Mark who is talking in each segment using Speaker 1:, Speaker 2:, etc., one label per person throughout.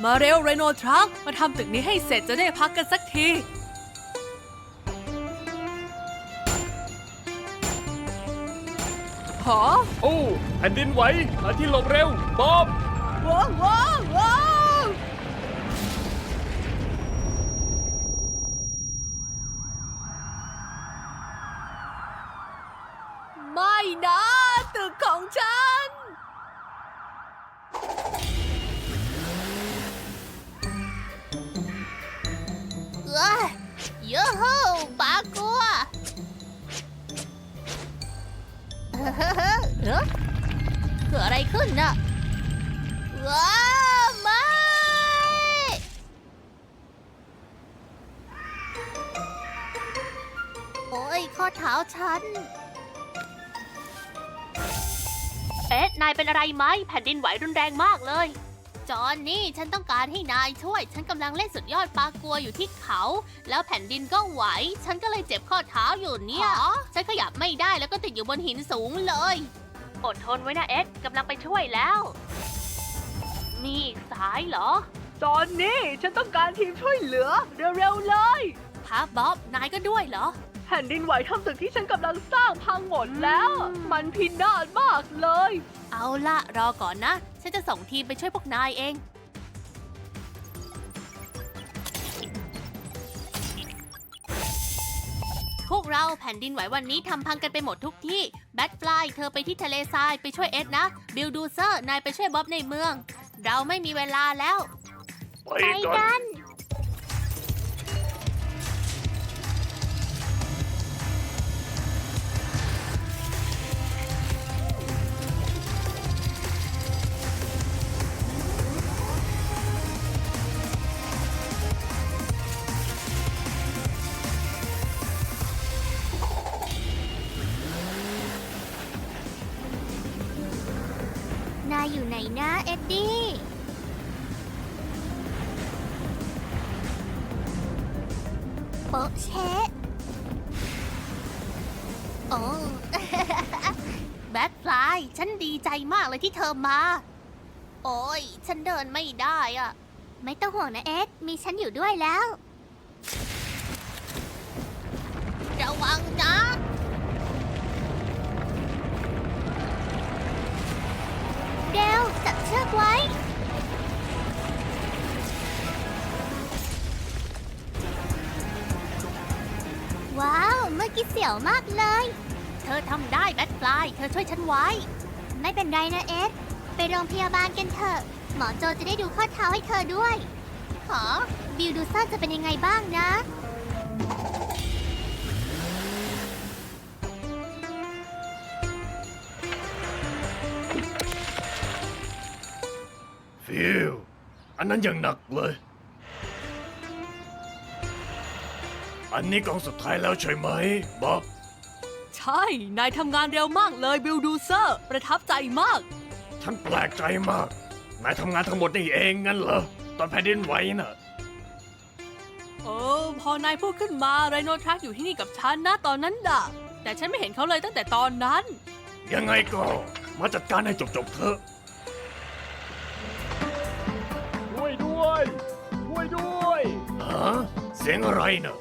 Speaker 1: มาเร็วไรโนทรัคมาทำตึกนี้ให้เสร็จจะได้พักกันสักทีหอ
Speaker 2: โอ้แผ่นดินไหวหาที่หลบเร็วบอบ
Speaker 1: ว้าวว้าวว้าวไม่นะตึกของฉัน
Speaker 3: เยอะโฮปากลัวเกิดอะไรขึ้นน่ะว้าไม่โอ้ยข้อเท้าฉันนายเป็นอะไรไหมแผ่นดินไหวรุนแรงมากเลยจอห์นนี่ฉันต้องการให้นายช่วยฉันกำลังเล่นสุดยอดปากัวอยู่ที่เขาแล้วแผ่นดินก็ไหวฉันก็เลยเจ็บข้อเท้าอยู่เนี่ยฉันขยับไม่ได้แล้วก็ติดอยู่บนหินสูงเลยอดทนไว้นะเอ็ดกำลังไปช่วยแล้วนี่สายเหรอ
Speaker 1: ตอนนี้ฉันต้องการทีมช่วยเหลือเร็วๆเลย
Speaker 3: ฮะบ๊อบนายก็ด้วยเหรอ
Speaker 1: แผ่นดินไหวทำตึกที่ฉันกำลังสร้างพังหมดแล้ว มันพินาศมากเลย
Speaker 3: เอาล่ะรอก่อนนะฉันจะส่งทีมไปช่วยพวกนายเองพวกเราแผ่นดินไหววันนี้ทำพังกันไปหมดทุกที่แบทฟลายเธอไปที่ทะเลทรายไปช่วยเอ็ดนะบิลดูเซอร์นายไปช่วยบ๊อบในเมือง เราไม่มีเวลาแล้ว
Speaker 2: ไปกัน
Speaker 3: นายอยู่ไหนนะเอ็ดดี้โป๊ะเชะโอ้ แบทฟลายฉันดีใจมากเลยที่เธอมา โอ้ยฉันเดินไม่ได้อะไม่ต้องห่วงนะเอ็ดมีฉันอยู่ด้วยแล้วระวังนะเดวจับเชือกไว้ว้าวเมื่อกี้เสียวมากเลยเธอทำได้แบทฟลายเธอช่วยฉันไว้ไม่เป็นไรนะเอ็ดไปโรงพยาบาลกันเถอะหมอโจจะได้ดูข้อเท้าให้เธอด้วยขอบิลดูซ่าจะเป็นยังไงบ้างนะ
Speaker 2: ฟิวอันนั้นยังหนักเลย อันนี้กองสุดท้ายแล้วใช่ไหมบ๊อบ
Speaker 1: ใช่ นายทำงานเร็วมากเลยบิลดูเซอร์ประทับใจมาก
Speaker 2: ฉันแปลกใจมากนายทำงานทั้งหมดนี่เองงั้นเหรอตอนแผ่นดินไหวน่ะ
Speaker 1: พอนายพูดขึ้นมาไรโนทรัคอยู่ที่นี่กับฉันนะตอนนั้นด่ะแต่ฉันไม่เห็นเขาเลยตั้งแต่ตอนนั้น
Speaker 2: ยังไงก็มาจัดการให้จบๆเถอะช่วยด้วยช่วยด้วยฮะเสียงอะไรน่ะ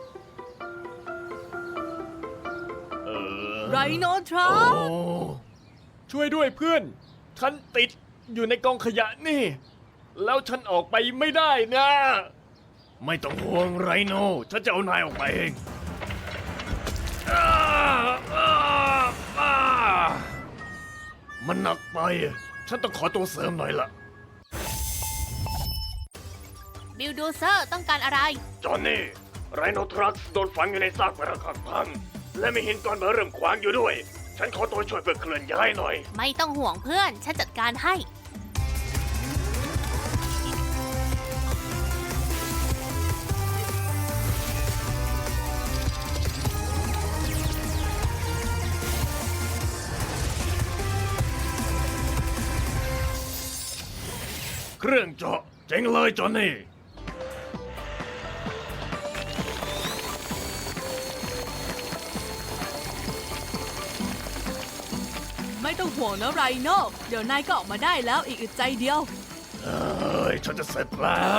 Speaker 1: ไรโนทรั
Speaker 2: โอ้
Speaker 1: ค
Speaker 2: ช่วยด้วยเพื่อน ฉันติดอยู่ในกองขยะนี่ แล้วฉันออกไปไม่ได้นะ ไม่ต้องห่วงไรโน ฉันจะเอานายออกไปเองอ้าอ้าอ้ามันหนักไป ฉันต้องขอตัวเสริมหน่อยละ
Speaker 3: บิลดูเซอร์ต้องการอะไร
Speaker 2: จอห์นนี่ ไรโนทรัคโดนฝังอยู่ในซากปรักหักพัง และมีหินก้อนเบอร์เริ่มขวางอยู่ด้วย ฉันขอตัวช่วยเพื่อเคลื่อนย้ายหน่อย
Speaker 3: ไม่ต้องห่วงเพื่อน ฉันจัดการให้
Speaker 2: เครื่องเจาะเจ๋งเลยจอห์นนี่
Speaker 1: ไม่ต้องห่วงนะไรโนเดี๋ยวนายก็ออกมาได้แล้วอีกอึดใจเดียว
Speaker 2: เอ้ยฉันจะเสร็จแล้ว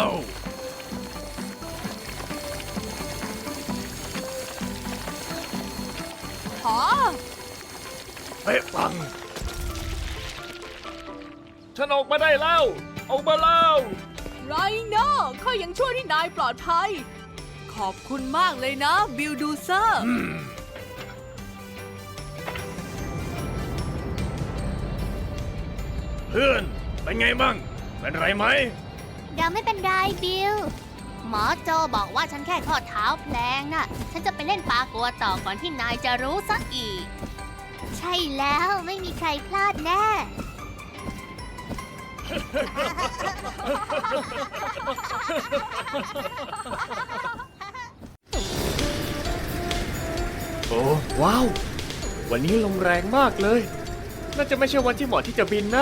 Speaker 1: หอ
Speaker 2: เป๊ะปัง ฉันออกมาได้แล้ว ออกมาแล้ว
Speaker 1: ไรโน่ข้ายังช่วยที่นายปลอดภัย ขอบคุณมากเลยนะบิลดูเซอร์
Speaker 2: เพื่อน เป็นไงบ้าง เป็นไรไหม
Speaker 3: เราไม่เป็นไรบิล หมอโจบอกว่าฉันแค่ข้อเท้าแพลงน่ะ ฉันจะไปเล่นปากัวต่อก่อนที่นายจะรู้ซะอีก ใช่แล้วไม่มีใครพลาดแน่
Speaker 2: โอ้ว้าว วันนี้ลมแรงมากเลย น่าจะไม่ใช่วันที่เหมาะที่จะบินนะ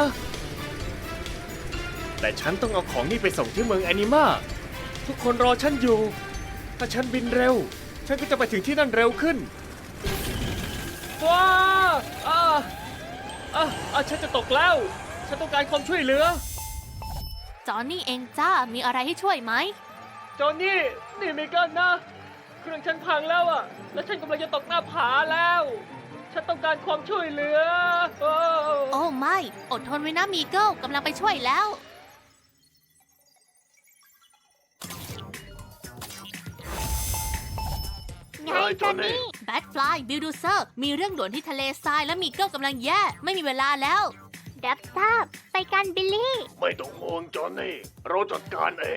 Speaker 2: แต่ฉันต้องเอาของนี่ไปส่งที่เมืองแอนิมาทุกคนรอฉันอยู่ ถ้าฉันบินเร็ว ฉันก็จะไปถึงที่นั่นเร็วขึ้น ว้าฉันจะตกแล้ว ฉันต้องการความช่วยเหลือ
Speaker 3: จอห์นนี่เองจ้า มีอะไรให้ช่วยไหม
Speaker 2: จอห์นนี่เมกันนะ เครื่องฉันพังแล้วอ่ะ แล้วฉันกำลังจะตกหน้าผาแล้ว ฉันต้องการความช่วยเหลือ
Speaker 3: โอ้ไม่ อดทนไว้นะมีเกิลกำลังไปช่วยแล้ว ไงจอห์นนี่แบทฟลายบิลดูเซอร์ มีเรื่องด่วนที่ทะเลทรายและมีเกิลกำลังแย่ ไม่มีเวลาแล้วดับทราบไปกันบิลลี่
Speaker 2: ไม่ต้องห่วงจอห์นนี่ เราจัดการเอง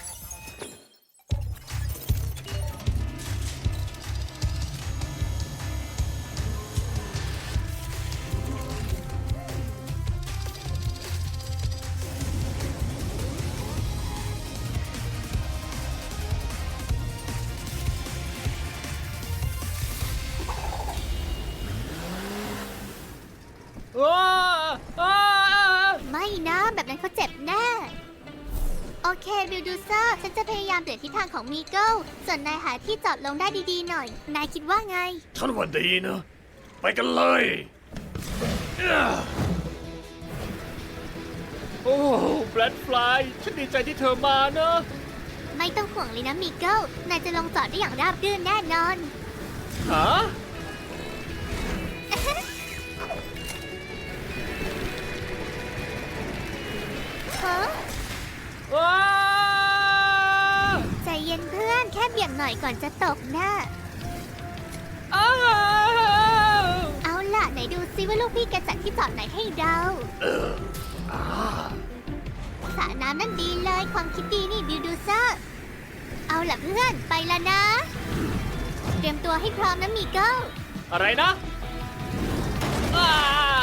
Speaker 3: ไม่นะ แบบนั้นเขาเจ็บแน่ โอเคบิลดูเซอร์ ฉันจะพยายามเปลี่ยนทิศทางของมีเกิลส่วนนายหาที่จอดลงได้ดีๆหน่อย นายคิดว่าไง
Speaker 2: ฉันว่าดีนะ ไปกันเลย โอ้แบล็ดฟลายฉันดีใจที่เธอมานะ
Speaker 3: ไม่ต้องห่วงเลยนะมีเกิลนายจะลงจอดได้อย่างราบรื่นแน่นอน
Speaker 2: ฮะ
Speaker 3: ฮะ
Speaker 2: ว้า
Speaker 3: ใจเย็นเพื่อนแค่เบี่ยงหน่อยก่อนจะตกนะ
Speaker 2: อ้าว
Speaker 3: เอาล่ะไหนดูซิว่าลูกพี่แกจัดที่จอดไหนให้เราสระน้ำนั่นดีเลยความคิดดีนี่บิลดูเซอร์ เอาล่ะเพื่อนไปแล้วนะ เตรียมตัวให้พร้อมนะมีเกิล
Speaker 2: อะไรนะอ้า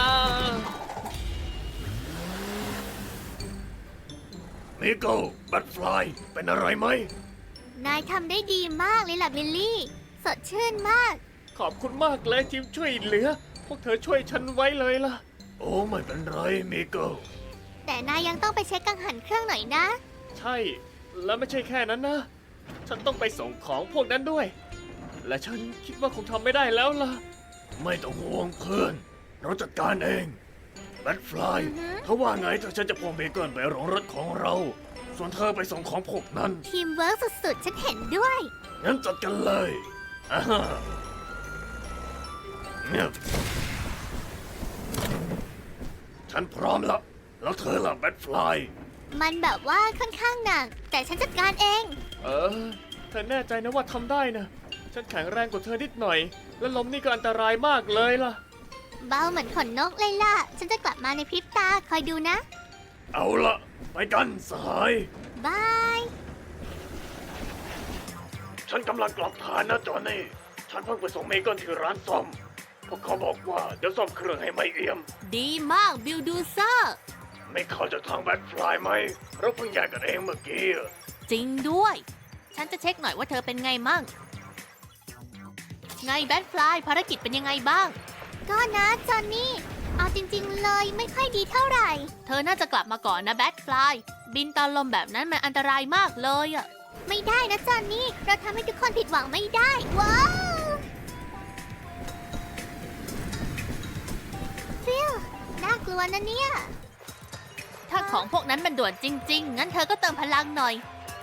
Speaker 2: มิโก้แบล็ดฟลายเป็นอะไรไหม
Speaker 3: นายทำได้ดีมากเลยล่ะบิลลี่ สดชื่นมาก
Speaker 2: ขอบคุณมากเลยทีมช่วยเหลือ พวกเธอช่วยฉันไว้เลยล่ะ โอ้ไม่เป็นไรมิโก้
Speaker 3: แต่นายยังต้องไปเช็คกังหันเครื่องหน่อยนะ
Speaker 2: ใช่ แล้วไม่ใช่แค่นั้นนะ ฉันต้องไปส่งของพวกนั้นด้วย และฉันคิดว่าคงทำไม่ได้แล้วล่ะ ไม่ต้องห่วงเพื่อน เราจัดการเองแบทฟลาย
Speaker 3: อือฮึ
Speaker 2: ถ้าว่าไงถ้าฉันจะพวงเบเกิลไปโรงรถของเรา ส่วนเธอไปส่งของพวกนั้น
Speaker 3: ทีมเวิร์กสุดๆ ฉันเห็นด้วย
Speaker 2: งั้นจัดกันเลยอ่าฮะเนี่ยฉันพร้อมแล้ว แล้วเธอล่ะแบทฟลาย
Speaker 3: มันแบบว่าค่อนข้างหนัก แต่ฉันจัดการเอง
Speaker 2: เธอแน่ใจนะว่าทำได้นะ ฉันแข็งแรงกว่าเธอนิดหน่อย และลมนี่ก็อันตรายมากเลยล่ะ
Speaker 3: เบาเหมือนขนนกเลยล่ะ ฉันจะกลับมาในพริบตา คอยดูนะ
Speaker 2: เอาละไปกันสหาย
Speaker 3: บาย
Speaker 2: ฉันกำลังกลับฐานนะจอห์นนี่ ฉันเพิ่งไปส่งเมเกิลที่ร้านซ่อม พวกเขาบอกว่าเดี๋ยวซ่อมเครื่องให้ไม่เอี่ยม
Speaker 3: ดีมากบิลดูเซอร์
Speaker 2: ไม่เข้าจากทางแบทฟลายไหม เราเพิ่งแยกกันเองเมื่อกี้อะ
Speaker 3: จริงด้วย ฉันจะเช็คหน่อยว่าเธอเป็นไงมั่ง ไงแบทฟลายภารกิจเป็นยังไงบ้าง ก็นะจอนนี่ เอาจริงๆเลยไม่ค่อยดีเท่าไหร่ เธอน่าจะกลับมาก่อนนะแบทฟลาย บินตอนลมแบบนั้นมันอันตรายมากเลยอะไม่ได้นะจอนนี่ เราทำให้ทุกคนผิดหวังไม่ได้ ว้าวฟิวน่ากลัวนะเนี่ย ถ้าของพวกนั้นมันด่วนจริงๆ งั้นเธอก็เติมพลังหน่อย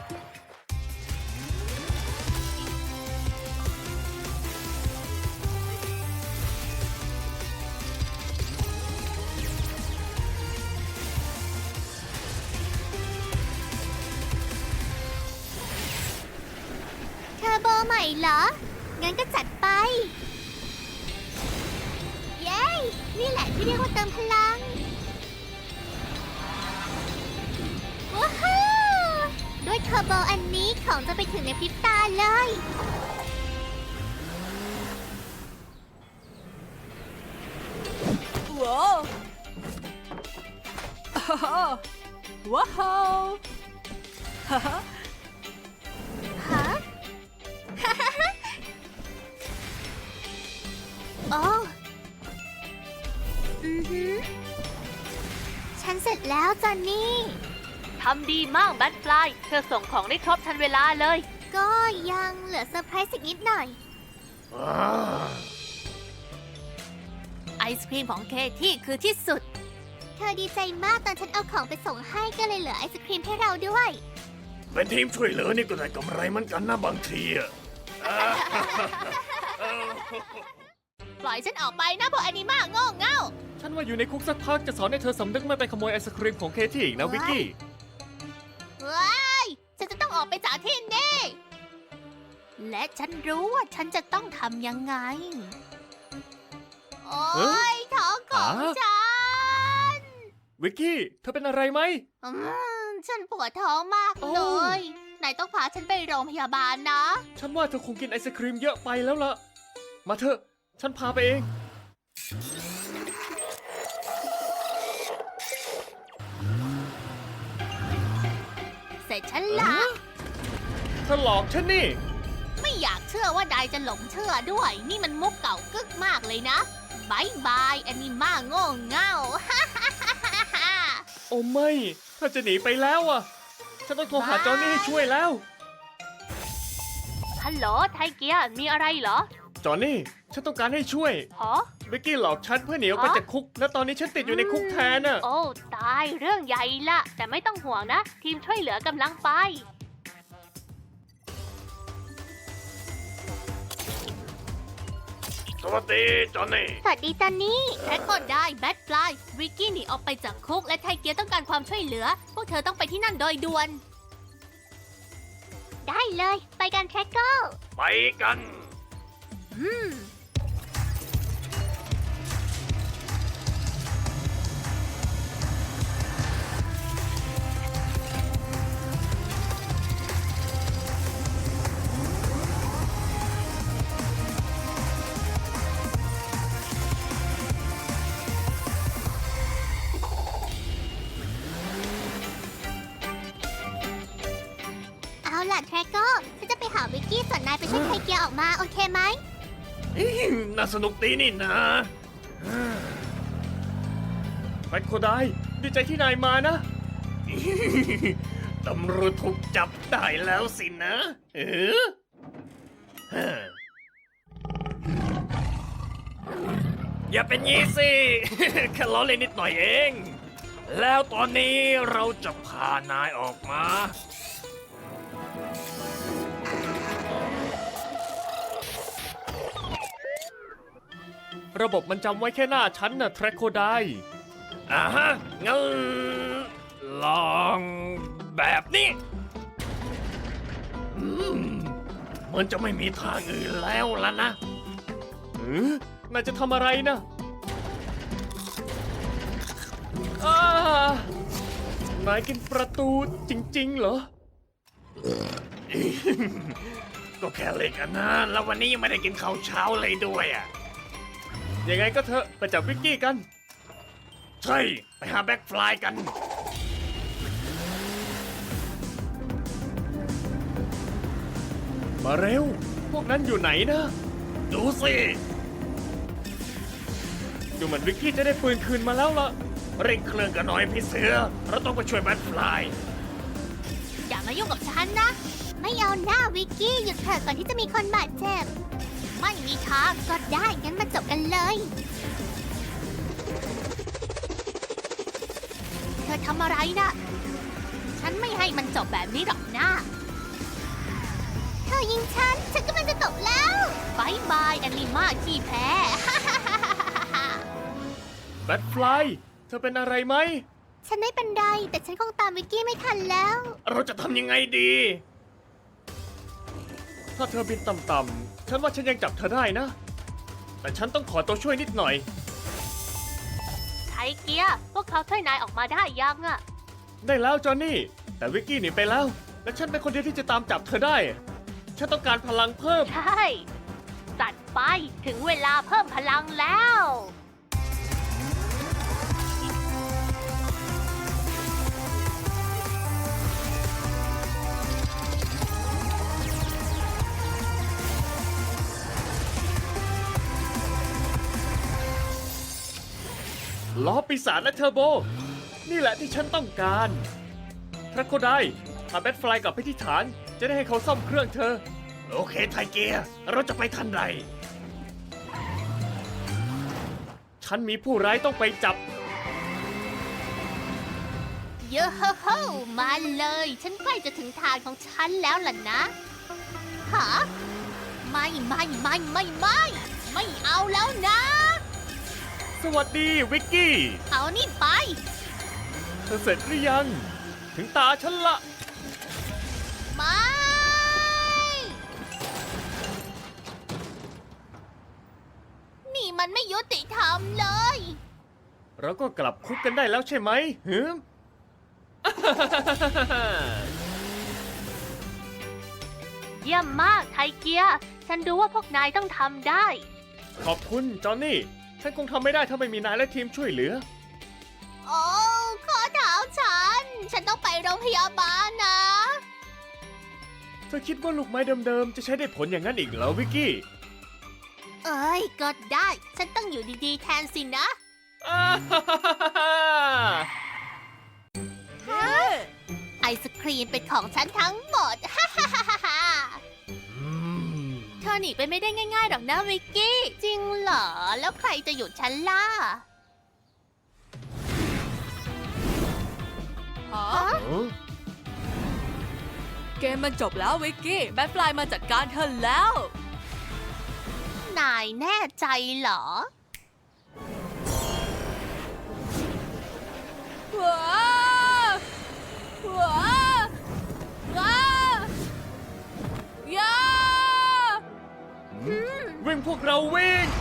Speaker 3: เทอร์โบใหม่เหรอ งั้นก็จัดไป เย้ นี่แหละที่เรียกว่าเติมพลัง ว้าวด้วยเทอร์โบอันนี้ของจะไปถึงในพริบตาเลย
Speaker 1: ว้าวว้าวฮ่าฮ่า
Speaker 3: ฮะ โอ้ฉันเสร็จแล้วจอนนี่ ทำดีมากแบทฟลาย เธอส่งของได้ครบทันเวลาเลย ก็ยังเหลือเซอร์ไพรส์อีกนิดหน่อย ไอศครีมของเคที่คือที่สุด เธอดีใจมากตอนฉันเอาของไปส่งให้ก็เลยเหลือไอศครีมให้เราด้วย
Speaker 2: เป็นทีมช่วยเหลือนี่ก็ได้กำไรเหมือนกันนะบางทีอะ
Speaker 3: ปล่อยฉันออกไปนะพวกแอนิมาโง่เง่า
Speaker 2: ฉันว่าอยู่ในคุกสักพักจะสอนให้เธอสำนึกไม่ไปขโมยไอศครีมของเคที่อีกนะวิกกี้
Speaker 3: ว้ายฉันจะต้องออกไปจากที่นี่ และฉันรู้ว่าฉันจะต้องทำยังไง โอ๊ยท้องของฉัน
Speaker 2: วิกกี้เธอเป็นอะไรไหม
Speaker 3: ฉันปวดท้องมาก
Speaker 2: โอ้
Speaker 3: เลย นายต้องพาฉันไปโรงพยาบาลนะ
Speaker 2: ฉันว่าเธอคงกินไอศครีมเยอะไปแล้วล่ะ มาเถอะ ฉันพาไปเอง
Speaker 3: เสร็จฉันละ
Speaker 2: เธอหลอกฉันนี่
Speaker 3: ไม่อยากเชื่อว่านายจะหลงเชื่อด้วย นี่มันมุกเก่ากึกมากเลยนะบายบายแอนิมาโง่เง่า
Speaker 2: โอ้ไม่เธอจะหนีไปแล้วอ่ะ ฉันต้องโทรหาจอห์นนี่ให้ช่วยแล้ว
Speaker 3: ฮัลโหลไทเกียร์มีอะไรเหรอ
Speaker 2: จอห์นนี่ ฉันต้องการให้ช่วย
Speaker 3: หอ
Speaker 2: วิกกี้หลอกฉันเพื่อหนีออกไปจากคุก และตอนนี้ฉันติดอยู่ในคุกแทนน่ะ
Speaker 3: โอ้ ตายเรื่องใหญ่ละแต่ไม่ต้องห่วงนะ ทีมช่วยเหลือกำลังไป
Speaker 2: สวัสดีจอห์นนี่
Speaker 3: สวัสดีจอนนี่แท็กก็ได้แบทฟลายวิกกี้หนีออกไปจากคุกและไทเกียร์ต้องการความช่วยเหลือ พวกเธอต้องไปที่นั่นโดยด่วน ได้เลย ไปกันแท็กเกอร์
Speaker 2: ไปกัน
Speaker 3: เอาล่ะแท็กเกอร์ฉันจะไปหาวิกกี้ส่วนนายไปช่วยไทเกียร์ออกมาโอเคไหม
Speaker 2: น่าสนุกดีนี่นะแบทโคไดดีใจที่นายมานะ ตำรวจถูกจับได้แล้วสินะอย่าเป็นงี้สิ แค่ล้อเล่นนิดหน่อยเอง แล้วตอนนี้เราจะพานายออกมา ระบบมันจำไว้แค่หน้าฉันน่ะแทร็กโคไดฮะ งั้นลองแบบนี้เหมันจะไม่มีทางอื่นแล้วล่ะนะนายจะทำอะไรนะนายกินประตูจริงๆเหรอ ก็แค่เล็กอันนั้นแล้ววันนี้ยังไม่ได้กินข้าวเช้าเลยด้วยอ่ะ ยังไงก็เถอะไปจับวิกกี้กัน ใช่ ไปหาแบ็คฟลายกัน มาเร็ว พวกนั้นอยู่ไหนนะ ดูสิดูเหมือนวิกกี้จะได้ปืนคืนมาแล้วล่ะ เร่งเครื่องกันหน่อยพี่เสือ เราต้องไปช่วยแบ็คฟลาย
Speaker 3: อย่ามายุ่งกับฉันนะ ไม่เอาหน้าวิกกี้หยุดเถอะก่อนที่จะมีคนบาดเจ็บ ไม่มีทางก็ได้งั้นมาจบกันเลย เธออทำอะไรนะฉันไม่ให้มันจบแบบนี้หรอกนะเธอยิงฉันกำลังจะตกแล้วบายบายแอนิมาที่แพ้
Speaker 2: แบทฟลาย เธอเป็นอะไรไหม
Speaker 3: ฉันไม่เป็นไรแต่ฉันคงตามวิกกี้ไม่ทันแล้ว
Speaker 2: เราจะทำยังไงดี ถ้าเธอบินต่ำๆ ฉันว่าฉันยังจับเธอได้นะ แต่ฉันต้องขอตัวช่วยนิดหน่อย
Speaker 3: ไทเกียร์พวกเขาช่วยนายออกมาได้ยังอะ
Speaker 2: ได้แล้วจอห์นนี่ แต่วิกกี้หนีไปแล้ว และฉันเป็นคนเดียวที่จะตามจับเธอได้ ฉันต้องการพลังเพิ่ม
Speaker 3: ใช่จัดไปถึงเวลาเพิ่มพลังแล้ว
Speaker 2: ล้อปีศาจและเทอร์โบ นี่แหละที่ฉันต้องการพระโคไดพาแบทฟลายกลับไปที่ฐาน จะได้ให้เขาซ่อมเครื่องเธอ โอเคไทเกียร์เราจะไปทันใด ฉันมีผู้ร้ายต้องไปจับ
Speaker 3: เยอะโฮมาเลย ฉันใกล้จะถึงทางของฉันแล้วล่ะนะฮะไม่เอาแล้วนะ
Speaker 2: สวัสดีวิกกี้
Speaker 3: เอานี่ไป
Speaker 2: เธอเสร็จหรือยัง ถึงตาฉันละ
Speaker 3: ไม่ นี่มันไม่ยุติธรรมเลย
Speaker 2: เราก็กลับคุกกันได้แล้วใช่ไหมหืม
Speaker 3: เยี่ยมมากไทเกียร์ฉันรู้ว่าพวกนายต้องทำได้
Speaker 2: ขอบคุณจอห์นนี่ ฉันคงทำไม่ได้ถ้าไม่มีนายและทีมช่วยเหลือ
Speaker 3: โอ้ข้อเท้าฉันต้องไปโรงพยาบาลนะ
Speaker 2: เธอคิดว่าลูกไม้เดิมๆ จะใช้ได้ผลอย่างนั้นอีกเหรอวิกกี้
Speaker 3: เอ้ยก็ได้ ฉันต้องอยู่ดีๆแทนสินะ ไอศครีมเป็นของฉันทั้งหมด เธอหนีไปไม่ได้ง่ายๆหรอกนะวิกกี้ จริงเหรอ แล้วใครจะหยุดฉันล่ะ
Speaker 1: ฮะ เกมมันจบแล้ววิกกี้ แบทฟลายมาจัดการเธอแล้ว
Speaker 3: นายแน่ใจเหรอ
Speaker 1: ว้าวว้าวว้าวย่า
Speaker 2: วิ่งพวกเราวิ่ง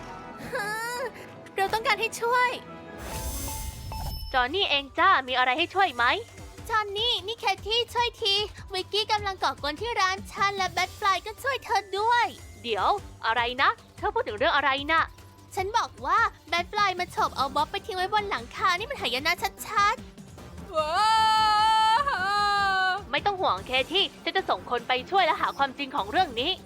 Speaker 3: เราต้องการให้ช่วย จอห์นนี่เองจ้า มีอะไรให้ช่วยไหม จอห์นนี่ นี่แคทที่ช่วยที วิกกี้กำลังก่อกวนที่ร้านฉันและแบทฟลายก็ช่วยเธอด้วย เดี๋ยว อะไรนะ เธอพูดถึงเรื่องอะไรนะ ฉันบอกว่าแบทฟลายมาฉกเอาบ๊อบไปทิ้งไว้บนหลังคา นี่มันหายนะชัด
Speaker 1: ว้าว
Speaker 3: ๆ ไม่ต้องห่วงเคที่ฉันจะส่งคนไปช่วยและหาความจริงของเรื่องนี้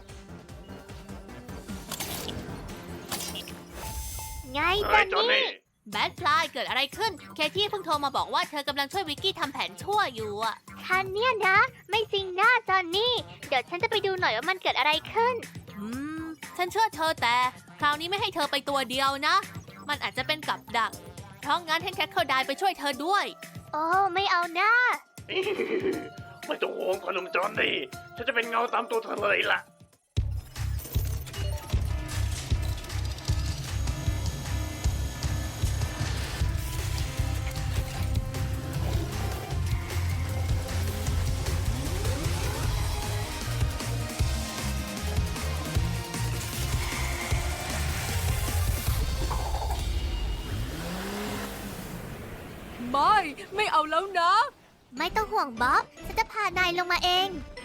Speaker 3: ไงจอห์นนี่ แบทฟลายเกิดอะไรขึ้น เคที่เพิ่งโทรมาบอกว่าเธอกำลังช่วยวิกกี้ทำแผนชั่วอยู่อะคันเนี่ยนะ ไม่จริงนะจอนนี่ เดี๋ยวฉันจะไปดูหน่อยว่ามันเกิดอะไรขึ้น
Speaker 1: ฉันเชื่อเธอแต่ คราวนี้ไม่ให้เธอไปตัวเดียวนะ มันอาจจะเป็นกับดัก เพราะงั้นให้แคทเขาไดไปช่วยเธอด้วย
Speaker 3: โอ้ไม่เอานะ
Speaker 2: ไม่ต้องห่วงพนมจอห์นนี่ ฉันจะเป็นเงาตามตัวเธอเลยล่ะ
Speaker 1: ไม่เอาแล้วนะ
Speaker 3: ไม่ต้องห่วงบ๊อบ ฉันจะพานายลงมาเอง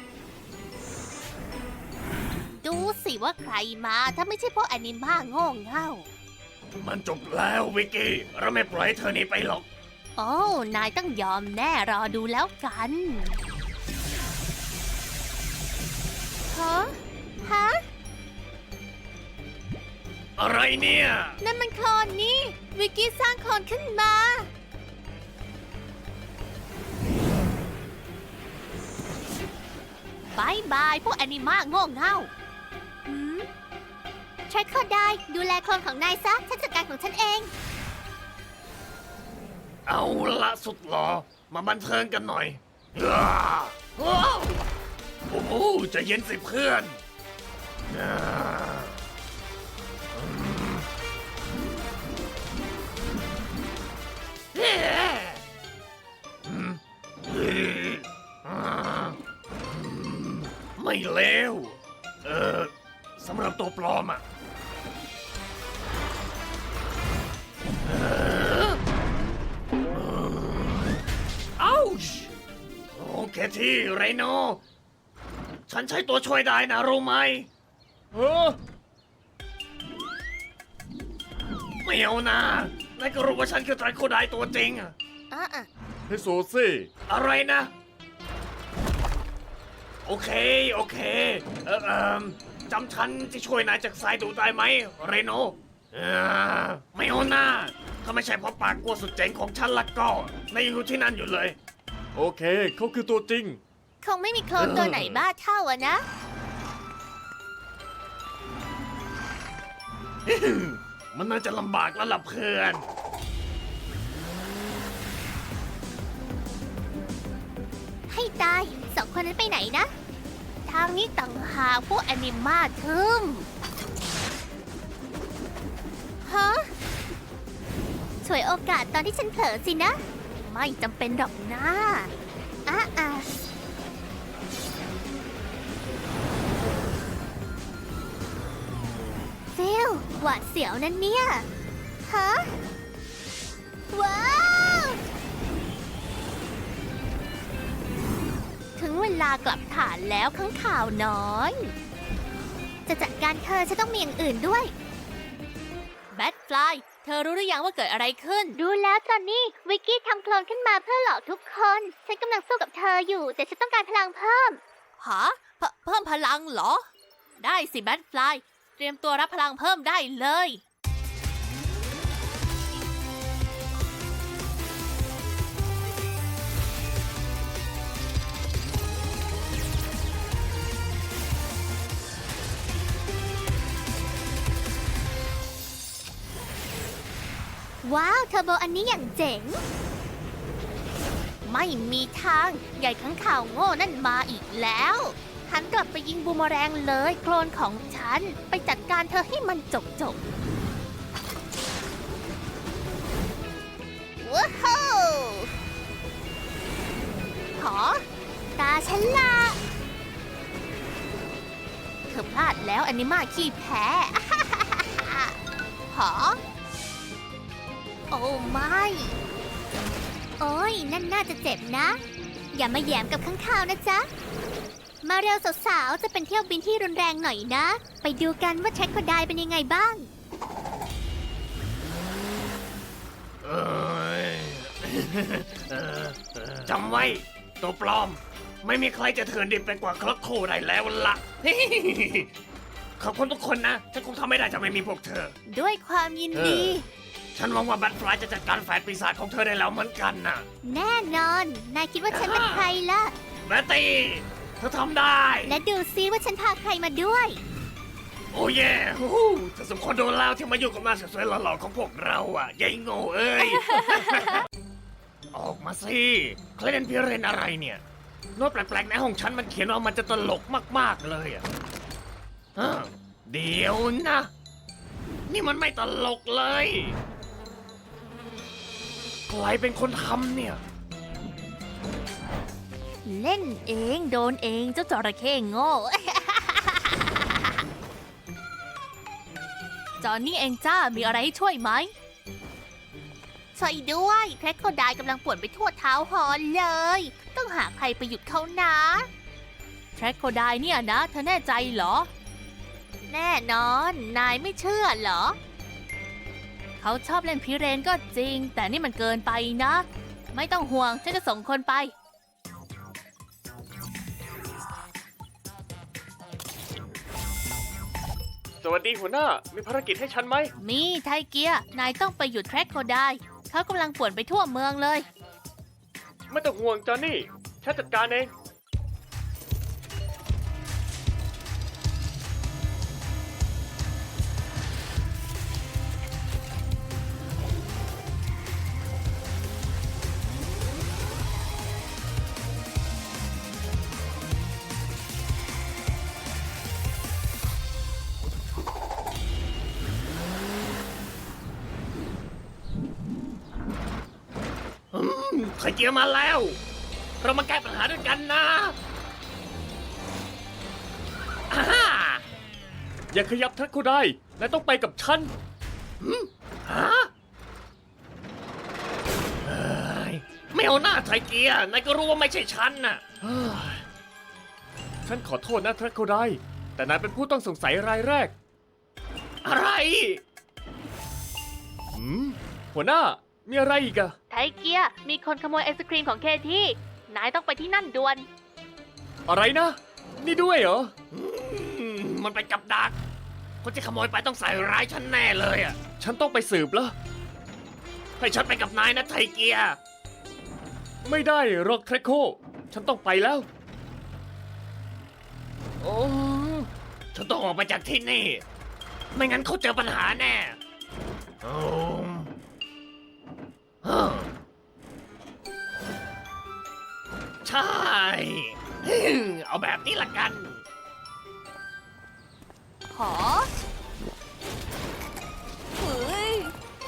Speaker 3: ดูสิว่าใครมาถ้าไม่ใช่พวกแอนิมาโง่เง่า
Speaker 2: มันจบแล้ววิกกี้ เราไม่ปล่อยให้เธอหนีไปหรอก
Speaker 3: โอ้ นายต้องยอมแน่รอดูแล้วกัน ฮะ
Speaker 2: อะไรเนี่ย
Speaker 3: นั่นมันโคลนนี่ วิกกี้สร้างโคลนขึ้นมาบายบาย พวกแอนิมาโง่เง่าใช้ข้อได้ดูแลโคลนของนายซะ ฉันจัดการของฉันเอง
Speaker 2: เอาละสุดหรอมาบันเทิงกันหน่อยอ้าว้าวโอ้โหใจะเย็นสิเพื่อนอ่าเฮ้อืมเฮ้อ่าไม่เลวสำหรับตัวปลอมอ่ะอ้าวโอเคที่ไรโนฉันใช้ตัวช่วยได้นะรู้ไหมไม่เอานะนายก็รู้ว่าฉันคือไตรโคไดตัวจริงอะ
Speaker 4: เฮ้ยโซซี่
Speaker 2: อะไรนะ โอเค โอเค จำฉันที่ช่วยนายจากสายดูได้ไหมเรโนไม่เอาหน้าถ้าไม่ใช่เพราะปากกลัวสุดเจ๋งของฉันละก็นายยังอยู่ที่นั่นอยู่เลย
Speaker 4: โอเคเขาคือตัวจริง
Speaker 1: คงไม่มีโคลนตัวไหนบ้าเท่าอะนะ
Speaker 2: มันน่าจะลำบากแล้วล่ะเพื่อน
Speaker 1: ให้ตายสองคนนั้นไปไหนนะ ทางนี้ต่างหากพวกแอนิมาทึมฮะฉวยโอกาสตอนที่ฉันเผลอสินะ ไม่จำเป็นหรอกนะฟิลหวาดเสียวนั่นเนี่ย ฮะ ว้าว ถึงเวลากลับฐานแล้วข้างข่าวน้อย จะจัดการเธอฉันต้องมีอย่างอื่นด้วยแบทฟลายเธอรู้หรือยังว่าเกิดอะไรขึ้น
Speaker 3: รู้แล้วจอนนี่วิกกี้ทำโคลนขึ้นมาเพื่อหลอกทุกคน ฉันกำลังสู้กับเธออยู่ แต่ฉันต้องการพลังเพิ่ม
Speaker 1: หาเพิ่มพลังเหรอ ได้สิแบทฟลายเตรียมตัวรับพลังเพิ่มได้เลย ว้าวเทอร์โบอันนี้อย่างเจ๋ง ไม่มีทางใหญ่ข้างข่าวโง่นั่นมาอีกแล้วหันกลับไปยิงบูมเมอแรงเลยโคลนของฉันไปจัดการเธอให้มันจบว้าวหอตาฉันละเธอพลาดแล้วแอนิมาขี้แพ้ หอโอ้ไม่โอ้ยนั่นน่าจะเจ็บนะ อย่ามาแยมกับข้างข่าวนะจ๊ะ มาเร็วสาวๆ จะเป็นเที่ยวบินที่รุนแรงหน่อยนะ ไปดูกันว่าแทร็กโคไดเป็นยังไงบ้าง
Speaker 2: เอ้ย จำไว้ ตัวปลอม ไม่มีใครจะเถื่อนดิบไปกว่าคลักโคได้แล้วล่ะ ขอบคุณทุกคนนะ ฉันคงทำไม่ได้จะไม่มีพวกเธอ
Speaker 1: ด้วยความยินดี
Speaker 2: ฉันหวังว่าแบทฟลายจะจัดการแฝดปีศาจของเธอได้แล้วเหมือนกันนะ
Speaker 1: แน่นอน นายคิดว่าฉันเป็นใครล่ะ
Speaker 2: แบตตี้เธอทำได้
Speaker 1: และดูซิว่าฉันพาใครมาด้วย
Speaker 2: โอ้เย่ฮู้เธอสมควรโดนแล้วที่มาอยู่กับหน้าสวยๆหล่อๆของพวกเราอ่ะยายโง่เอ้ย ออกมาสิเคลเดนพิเรนอะไรเนี่ยโน้ตแปลกๆในห้องฉันมันเขียนว่ามันจะตลกมากๆเลยอ่ะเดี๋ยวนะ นี่มันไม่ตลกเลยใครเป็นคนทำเนี่ย
Speaker 1: เล่นเองโดนเองเจ้าจระเข้โง่ จอนนี่เองจ้ามีอะไรให้ช่วยไหมช่วยด้วยแทร็กโคไดกำลังป่วนไปทั่วเท้าฮอนเลย ต้องหาใครไปหยุดเขานะแทร็กโคไดเนี่ยนะเธอแน่ใจเหรอ แน่นอนนายไม่เชื่อเหรอ เขาชอบเล่นพิเรนก็จริง แต่นี่มันเกินไปนะ ไม่ต้องห่วงฉันจะส่งคนไป
Speaker 4: สวัสดีหัวหน้า มีภารกิจให้ฉันไหม
Speaker 1: มีไทเกียนายต้องไปหยุดแทร็กโคไดเขากำลังป่วนไปทั่วเมืองเลย
Speaker 4: ไม่ต้องห่วงจอนนี่ ฉันจัดการเอง
Speaker 2: ไทเกียร์มาแล้ว เรามาแก้ปัญหาด้วยกันนะอ่าฮ่า
Speaker 4: อย่าขยับทักก็ได้นายต้องไปกับฉัน
Speaker 2: ฮะเฮ้ยไม่เอาหน้าไทเกียร์นายก็รู้ว่าไม่ใช่ฉันน่ะ
Speaker 4: ฉันขอโทษนะทักก็ได้ แต่นายเป็นผู้ต้องสงสัยรายแรก
Speaker 2: อะไร
Speaker 4: หัวหน้า มีอะไรอีกอะ
Speaker 3: ไทเกียร์มีคนขโมยไอศครีมของเคที่นายต้องไปที่นั่นด่วน
Speaker 4: อะไรนะ นี่ด้วยเหรอ
Speaker 2: มันเป็นกับดัก คนที่ขโมยไปต้องใส่ร้ายฉันแน่เลยอ่ะ
Speaker 4: ฉันต้องไปสืบแล้ว
Speaker 2: ให้ฉันไปกับนายนะไทเกียร์
Speaker 4: ไม่ได้หรอกเทรโค ฉันต้องไปแล้ว โอ้
Speaker 2: ฉันต้องออกไปจากที่นี่ ไม่งั้นเขาเจอปัญหาแน่โอ้ฮะใช่ เอาแบบนี้ละกัน
Speaker 1: ขอเฮ้ย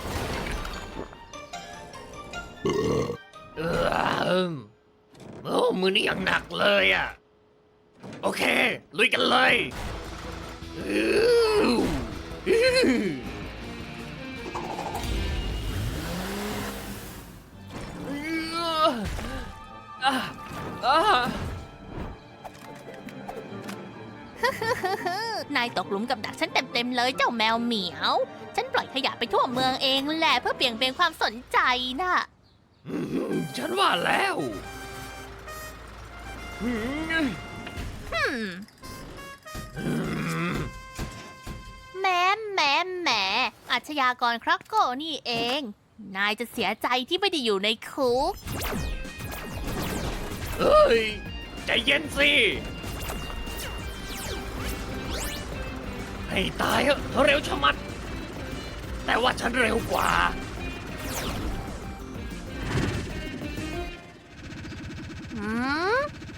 Speaker 2: โอ้มือนี่ยังหนักเลยอ่ะ โอเค ลุยกันเลยอื้ออื้อ
Speaker 1: นายตกหลุมกับดักฉันเต็มๆเลยเจ้าแมวเหมียว ฉันปล่อยขยะไปทั่วเมืองเองแหละเพื่อเบี่ยงเบนความสนใจน่ะ
Speaker 2: ฉันว่าแล้ว
Speaker 1: แหมอาชญากรครักโกนี่เอง นายจะเสียใจที่ไม่ได้อยู่ในคุก
Speaker 2: เฮ้ย ใจเย็นสิ ให้ตายเถอะเร็วชะมัด แต่ว่าฉันเร็วกว่า
Speaker 1: หืม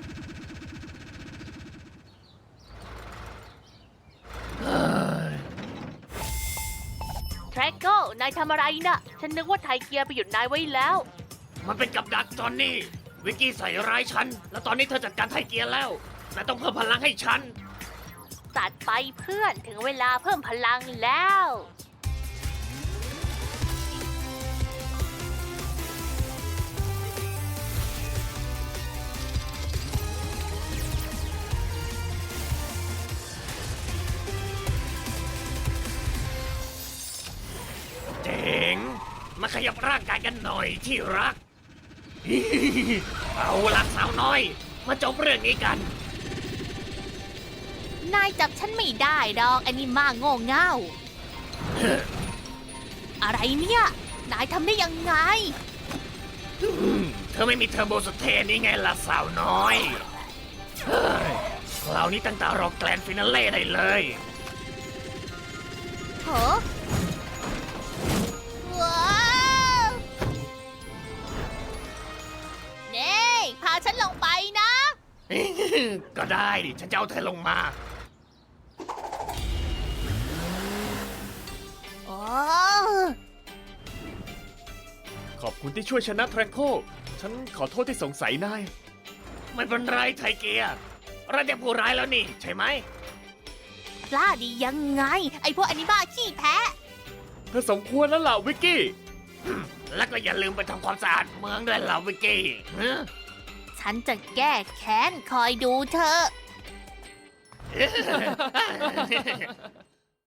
Speaker 3: แทร็กโกนายทำอะไรน่ะ ฉันนึกว่าไทเกียร์ไปหยุดนายไว้แล้ว
Speaker 2: มันเป็นกับดักจอนนี่ วิกกี้ใส่ร้ายฉัน แล้วตอนนี้เธอจัดการไทเกียร์แล้วนายต้องเพิ่มพลังให้ฉัน
Speaker 3: ตัดไปเพื่อนถึงเวลาเพิ่มพลังแล้ว
Speaker 2: เจ๋ง มาขยับร่างกายกันหน่อยที่รัก เอาละสาวน้อย มาจบเรื่องนี้กัน
Speaker 1: นายจับฉันไม่ได้ดอกไอ้นี่มากโง่เง่า อะไรเนี่ย นายทำได้ยังไง
Speaker 2: เธอไม่มีเทอร์โบสเตนนี่ไงล่ะสาวน้อยเฮ้ยคราวนี้ตั้งตารอแกลนด์ฟินาเล่ได้เลย
Speaker 1: เหรอว้าวเน่พาฉันลงไปนะ
Speaker 2: ก็ได้ดิ ฉันจะเอาเธอลงมา
Speaker 1: โอ้
Speaker 4: ขอบคุณที่ช่วยชนะเทรโค ฉันขอโทษที่สงสัยนาย
Speaker 2: ไม่เป็นไรไทเกียร์เราจะผู้ร้ายแล้วนี่ ใช่ไหม
Speaker 1: กล้าดียังไง ไอพวกอนิบ้าขี้แพ้
Speaker 4: เธอสมควรแล้วล่ะวิกกี้
Speaker 2: แล้วก็อย่าลืมไปทำความสะอาดเมืองด้วยล่ะวิกกี้ฮะ
Speaker 1: ฉันจะแก้แค้นคอยดูเธอะ